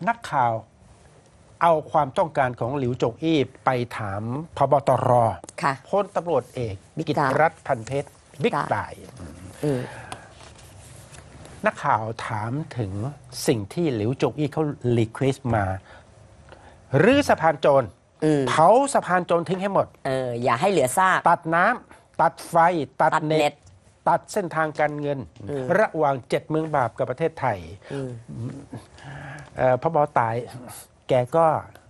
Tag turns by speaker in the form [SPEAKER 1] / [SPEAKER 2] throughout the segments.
[SPEAKER 1] นักข่าวเอาความต้องการของหลิวจงอี้ไปถามพบตร
[SPEAKER 2] ค่ะ
[SPEAKER 1] พลตำรวจเอก
[SPEAKER 2] บิ๊ก
[SPEAKER 1] กิต
[SPEAKER 2] ต่าย
[SPEAKER 1] ติรัตน์พันเพชรบิ๊กต่าย นักข่าวถามถึงสิ่งที่หลิวจงอี้เขารีเควสมารื้อสะพานโจรเผาสะพานโจรทิ้งให้หมด
[SPEAKER 2] อย่าให้เหลือซาก
[SPEAKER 1] ตัดน้ำตัดไฟ ตัด
[SPEAKER 2] ตัดเน็
[SPEAKER 1] เน็
[SPEAKER 2] ต
[SPEAKER 1] ต ตัดเส้นทางการเงิน ระหว่าง7 เมืองบาปกับประเทศไทยพบตายแกก็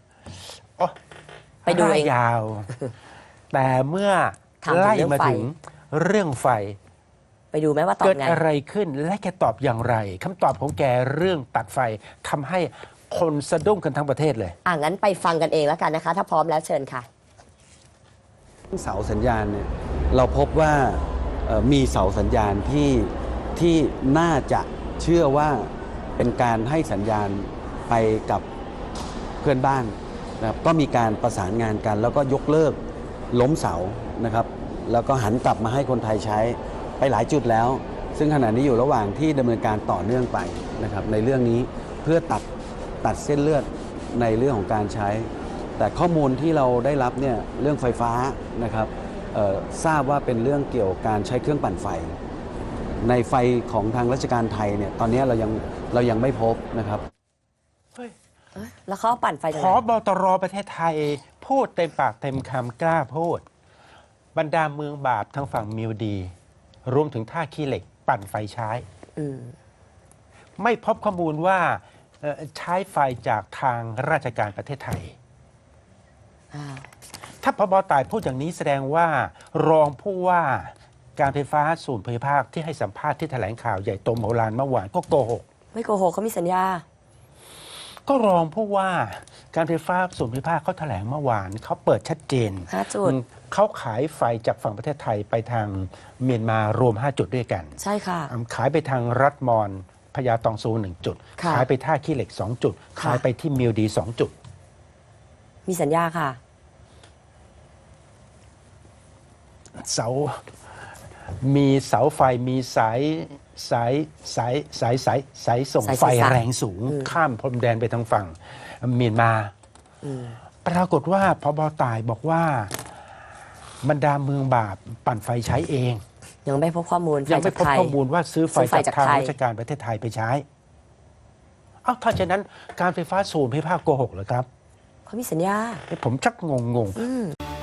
[SPEAKER 2] ไปดูเอง
[SPEAKER 1] ยาว แต่เมื่อ
[SPEAKER 2] ถามถึง
[SPEAKER 1] ไล่
[SPEAKER 2] เรื่อง
[SPEAKER 1] มา
[SPEAKER 2] ไฟ
[SPEAKER 1] ถึงเรื่องไฟ
[SPEAKER 2] ไปดูไหมว่าตอบ
[SPEAKER 1] เกิด
[SPEAKER 2] ไง
[SPEAKER 1] อะไรขึ้นและแกตอบอย่างไรคำตอบของแกเรื่องตัดไฟทำให้คนสะดุ้งกันทั้งประเทศเลย
[SPEAKER 2] งั้นไปฟังกันเองแล้วกันนะคะ ถ้าพร้อมแล้วเชิญค่ะ
[SPEAKER 3] เสาสัญญาณเนี่ยเราพบว่ามีเสาสัญญาณที่น่าจะเชื่อว่าเป็นการให้สัญญาณไปกับเพื่อนบ้านนะครับก็มีการประสานงานกัน แล้วก็ยกเลิกล้มเสานะครับแล้วก็หันกลับมาให้คนไทยใช้ไปหลายจุดแล้ว ซึ่งขณะนี้อยู่ระหว่างที่ดำเนินการต่อเนื่องไปนะครับในเรื่องนี้เพื่อตัดเส้นเลือดในเรื่องของการใช้ แต่ข้อมูลที่เราได้รับเนี่ยเรื่องไฟฟ้านะครับทราบว่าเป็นเรื่องเกี่ยวกับการใช้เครื่องปั่นไฟ ในไฟของทางราชการไทยเนี่ยตอนนี้เรายังไม่พบนะครับ
[SPEAKER 2] แล้วเขาปั่นไฟจาก
[SPEAKER 1] พ
[SPEAKER 2] ไหน
[SPEAKER 1] บตรประเทศไทยพูดเต็มปากเต็มคำกล้าพูด บรรดาเมืองบาปทางฝั่งมิวดี รวมถึงท่าขี้เหล็กปั่นไฟใช้ ไม่พบข้อมูลว่าใช้ไฟจากทางราชการประเทศไทย ถ้าพบตายพูดอย่างนี้แสดงว่ารองผู้ว่าการไฟฟ้าส่วนภูมิภาคที่ให้สัมภาษณ์ที่แถลงข่าวใหญ่โตมโหฬารเมื่อวานก็โกหก
[SPEAKER 2] ไม่โกหกเขามีสัญญา
[SPEAKER 1] ก็รองผู้ว่าการไฟฟ้าส่วนภูมิภาคเขาแถลงเมื่อวานเขาเปิดชัดเจน
[SPEAKER 2] 5 จุด
[SPEAKER 1] เขาขายไฟจากฝั่งประเทศไทยไปทางเมียนมารวม 5 จุดด้วยกัน
[SPEAKER 2] ใช่ค่ะ
[SPEAKER 1] ขายไปทางรัฐมอนพญาตองซู1 จุด
[SPEAKER 2] ค่ะ
[SPEAKER 1] ขายไปท่าขี้เหล็ก 2 จุด
[SPEAKER 2] ค่ะ
[SPEAKER 1] ขายไปที่มิวดี 2 จุด
[SPEAKER 2] มีสัญญาค่ะ
[SPEAKER 1] เสา มีเสาไฟมีสายส่ง
[SPEAKER 2] สาย
[SPEAKER 1] ไฟ
[SPEAKER 2] สื่อสาร
[SPEAKER 1] แรงสูง ข้ามพรมแดนไปทางฝั่งเมียนมาปรากฏว่าพบตายบอกว่าบรรดาเมืองบาปปั่นไฟใช้เอง
[SPEAKER 2] ยังไม่พบข้อมูล
[SPEAKER 1] ยังไม่พบ
[SPEAKER 2] ฟ
[SPEAKER 1] ข้อมูลว่าซื้อไฟ
[SPEAKER 2] ซื้อไฟ
[SPEAKER 1] จาก
[SPEAKER 2] จาก
[SPEAKER 1] ทาง
[SPEAKER 2] ใคร
[SPEAKER 1] ราชการประเทศไทยไปใช้ถ้าฉะนั้นการไฟฟ้าส่วนภูมิภาคโกหกเหรอครับ
[SPEAKER 2] เขามีสัญญา
[SPEAKER 1] ผมชักงง